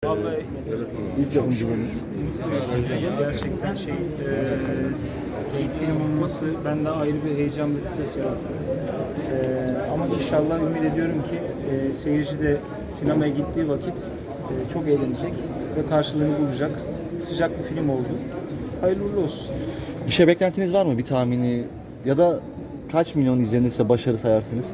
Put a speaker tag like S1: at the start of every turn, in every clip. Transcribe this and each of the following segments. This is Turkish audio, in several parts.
S1: Vallahi
S2: İlk yapımcılığınız.
S1: gerçekten ilk film olması bende ayrı bir heyecan ve stres yarattı. Ama inşallah ümit ediyorum ki seyirci de sinemaya gittiği vakit çok eğlenecek ve karşılığını bulacak. Sıcak bir film oldu. Hayırlı uğurlu olsun.
S2: Bir şey beklentiniz var mı? Bir tahmini ya da kaç milyon izlenirse başarı sayarsınız?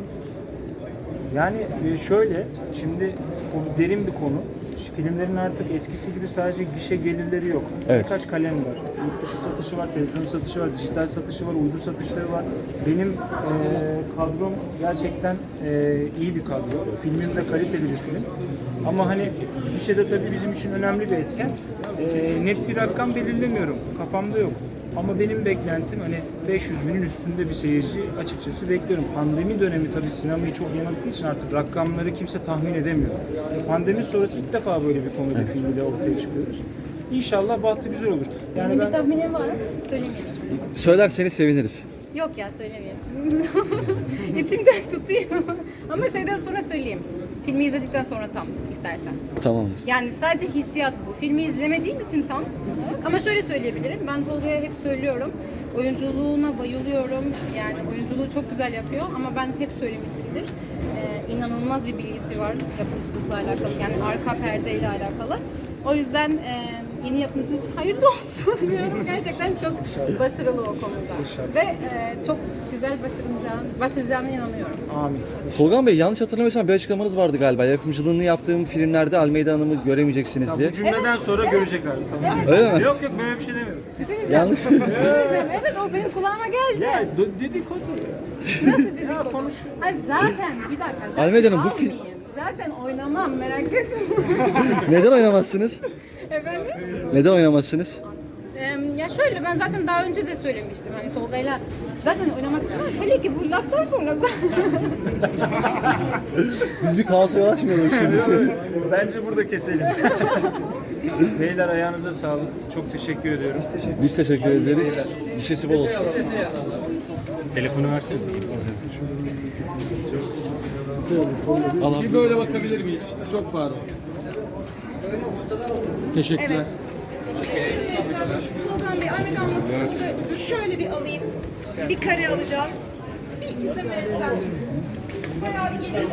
S1: Yani şöyle, şimdi bu derin bir konu. Filmlerin artık eskisi gibi sadece gişe gelirleri yok.
S2: Evet.
S1: Birkaç kalem var. Yurt dışı satışı var, televizyon satışı var, dijital satışı var, uydu satışları var. Benim kadrom gerçekten iyi bir kadro. Filmim de kaliteli bir film. Ama hani gişede tabii bizim için önemli bir etken. Net bir rakam belirlemiyorum. Kafamda yok. Ama benim beklentim hani 500 binin üstünde bir seyirci açıkçası bekliyorum. Pandemi dönemi tabii sinemayı çok yanılttığı için artık rakamları kimse tahmin edemiyor. Pandemi sonrası ilk defa böyle bir komedi filmiyle ortaya çıkıyoruz. İnşallah bahtı güzel olur.
S3: Benim bir tahminim var. Söylemiyorum şimdi.
S2: Söylerseniz seviniriz.
S3: Yok ya söylemiyorum şimdi. İçimden tutayım. Ama şeyden sonra söyleyeyim. Filmi izledikten sonra tam istersen.
S2: Tamam.
S3: Yani sadece hissiyat bu. Filmi izlemediğim için tam. Ama şöyle söyleyebilirim. Ben Tolga'ya hep söylüyorum. Oyunculuğuna bayılıyorum. Yani oyunculuğu çok güzel yapıyor. Ama ben hep söylemişimdir. İnanılmaz bir bilgisi var yapımcılıkla alakalı. Yani arka perdeyle alakalı. O yüzden yeni yapımcınız hayırlı olsun diyorum. Gerçekten çok başarılı o konuda. Ve çok güzel başaracağına inanıyorum.
S1: Amin.
S2: Tolga Bey, yanlış hatırlamıyorsam bir açıklamanız vardı galiba. Yapımcılığını yaptığım filmlerde Almeyda Hanım'ı göremeyeceksiniz diye.
S1: Bu cümleden sonra görecekler. Tamam.
S2: Öyle mi?
S1: Yok böyle bir şey demiyorum.
S3: Bir şey diyeceğim.
S2: Yanlış.
S3: Evet o benim kulağıma geldi.
S1: Ya dedikodu ya.
S3: Nasıl dedikodu?
S1: konuşuyor.
S3: Hayır zaten bir dakika. Zaten
S2: Almeyda Hanım, bu film-
S3: almayayım. Zaten oynamam merak etme.
S2: Neden oynamazsınız?
S3: Efendim?
S2: Neden oynamazsınız?
S3: Ya şöyle ben zaten daha önce de söylemiştim hani Tolga'yla zaten oynamak istemem. Hele ki bu laftan sonra zaten.
S2: Biz bir kaosa yol açmayalım şimdi.
S1: Bence burada keselim. Beyler ayağınıza sağlık. Çok teşekkür ediyorum.
S2: Biz teşekkür ederiz. Gişesi bol olsun.
S1: Telefonu versene.
S4: Bir böyle bakabilir miyiz? Çok pardon. Teşekkürler.
S5: Tolgan Bey, Ahmet anlatsın. Şöyle bir alayım. Bir kare alacağız. Bir izin verirsen. Bayağı bir geniş.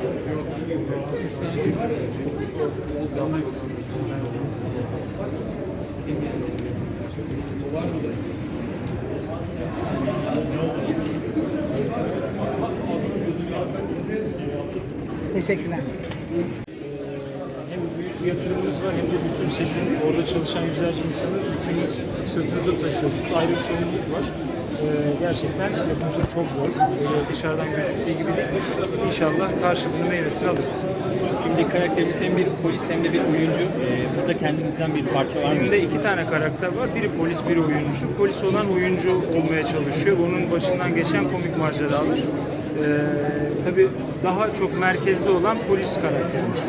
S6: Teşekkürler.
S1: Hem büyük bir yatırımımız var hem de bütün setin orada çalışan yüzlerce insanın yükünü sırtınızda taşıyorsunuz. Ayrı bir sorumluluk var. Gerçekten yapımcılık çok zor. Dışarıdan gözüktüğü gibi değil. İnşallah karşılığını meyvesini alırız.
S7: Filmdeki karakterimiz hem bir polis hem de bir oyuncu. Burada kendinizden bir parça var mı?
S1: Filmde iki tane karakter var. Biri polis, biri oyuncu. Polis olan oyuncu olmaya çalışıyor. Onun başından geçen komik maceralar. Tabii daha çok merkezde olan polis karakterimiz.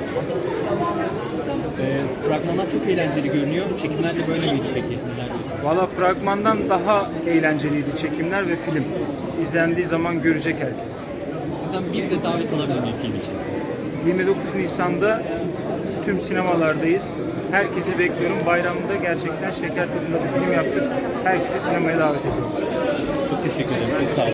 S7: Fragmanlar çok eğlenceli görünüyor. Çekimler de böyle miydi peki? Neler diyorsunuz?
S1: Valla fragmandan daha eğlenceliydi çekimler ve film. İzlendiği zaman görecek herkes.
S7: Sizden bir de davet alabilir miyim film için?
S1: 29 Nisan'da tüm sinemalardayız. Herkesi bekliyorum. Bayramda gerçekten şeker tadında bir film yaptık. Herkesi sinemaya davet ediyorum.
S7: Çok teşekkür ederim. Çok sağ olun.